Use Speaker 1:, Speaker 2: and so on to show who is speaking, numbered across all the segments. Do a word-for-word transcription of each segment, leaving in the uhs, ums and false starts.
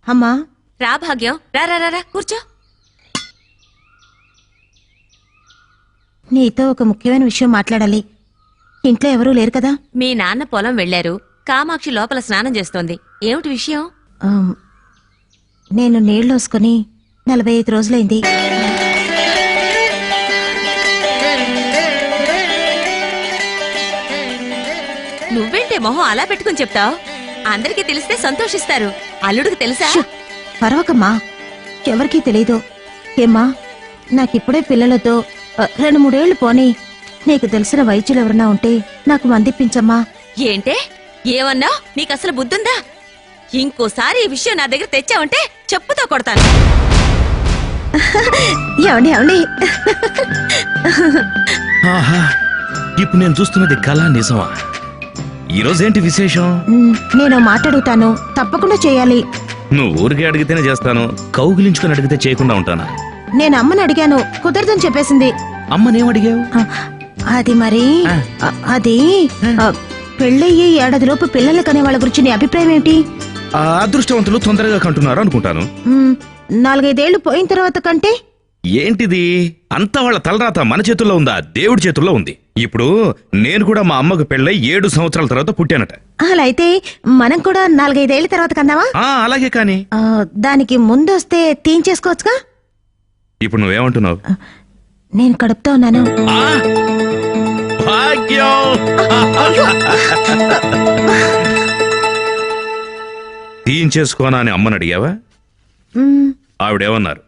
Speaker 1: అమ్మా
Speaker 2: రా భాగ్యం, రా రా రా కూర్చో.
Speaker 1: నీతో ఒక ముఖ్యమైన విషయం మాట్లాడాలి. ఇంట్లో ఎవరూ లేరు కదా?
Speaker 2: మీ నాన్న పొలం వెళ్లారు. కామాక్షి లోపల స్నానం చేస్తోంది. ఏమిటి విషయం?
Speaker 1: ఆమ్, నేను నీళ్లోసుకుని నలభై ఐదు రోజులైంది.
Speaker 2: నువ్వేంటే మొహం అలా పెట్టుకుని చెప్తావు? అందరికీ తెలిస్తే సంతోషిస్తారు. అల్లుడికి తెలుసా?
Speaker 1: పర్వకమ్మా, ఎవరికీ తెలీదు. ఏమ్మా, నాకిప్పుడే పిల్లలతో ఆ, రెండు మూడేళ్లు పోనీ నీకు తెలిసిన వైద్యులు ఎవరన్నా ఉంటే నాకు మందిప్పించమ్మా.
Speaker 2: ఏంటే ఏమన్నా? నీకసలు బుద్ధుందా? ఇంకోసారి ఈ విషయం నా దగ్గర తెచ్చావంటే చెప్పుతో కొడతాను.
Speaker 1: ఏమండి ఏమండి
Speaker 3: ఆహా, ఇప్పుడు నేను చూస్తున్నది కళ నిజమా? ఈరోజేంటి విశేషం?
Speaker 1: ఉమ్, నేను మాట్లాడుతాను, తప్పకుండా చేయాలి.
Speaker 3: నువ్వు ఊరికే అడిగితేనే చేస్తాను, కౌగిలించుకుని అడిగితే చేయకుండా ఉంటానా?
Speaker 1: నేను అమ్మని అడిగాను, కుదరదని చెప్పేసింది.
Speaker 3: అమ్మనేమడిగావు?
Speaker 1: ఆ, అది మరి
Speaker 3: ఆ.
Speaker 1: ఆ, అది ఆ, పెళ్ళయ్యి ఏడాదిలోపు పిల్లలు కనే వాళ్ళ గురించి నీ అభిప్రాయం ఏంటి?
Speaker 3: ఆ అదృష్టవంతులు తొందరగా కంటున్నారు అనుకుంటాను.
Speaker 1: ఉమ్, నాలుగైదేళ్లు పోయిన తర్వాత కంటే
Speaker 3: ఏంటిది? అంతా వాళ్ళ తలరాత మన చేతుల్లో ఉందా? దేవుడి చేతుల్లో ఉంది. ఇప్పుడు నేను కూడా మా అమ్మకు పెళ్ళై ఏడు సంవత్సరాల తర్వాత పుట్టానట.
Speaker 1: అలా అయితే మనం కూడా నాలుగైదేళ్ల తర్వాత కన్నావా?
Speaker 3: ఆ అలాగే కాని
Speaker 1: ఆ, దానికి ముందొస్తే తీయించేసుకోవచ్చుగా.
Speaker 3: ఇప్పుడు నువ్వేమంటున్నావు?
Speaker 1: నేను కడుపుతో ఉన్నాను.
Speaker 3: ఆ! భాగ్యం! తీయించేసుకోనా అని అమ్మని అడిగావా?
Speaker 1: ఉమ్,
Speaker 3: ఆవిడేమన్నారు?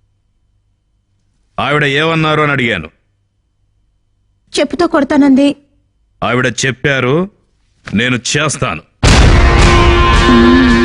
Speaker 3: ఆవిడ ఏమన్నారు అని అడిగాను.
Speaker 1: చెప్పుతో కొడతానంది.
Speaker 3: ఆవిడ చెప్పారు, నేను చేస్తాను.
Speaker 1: ఉమ్,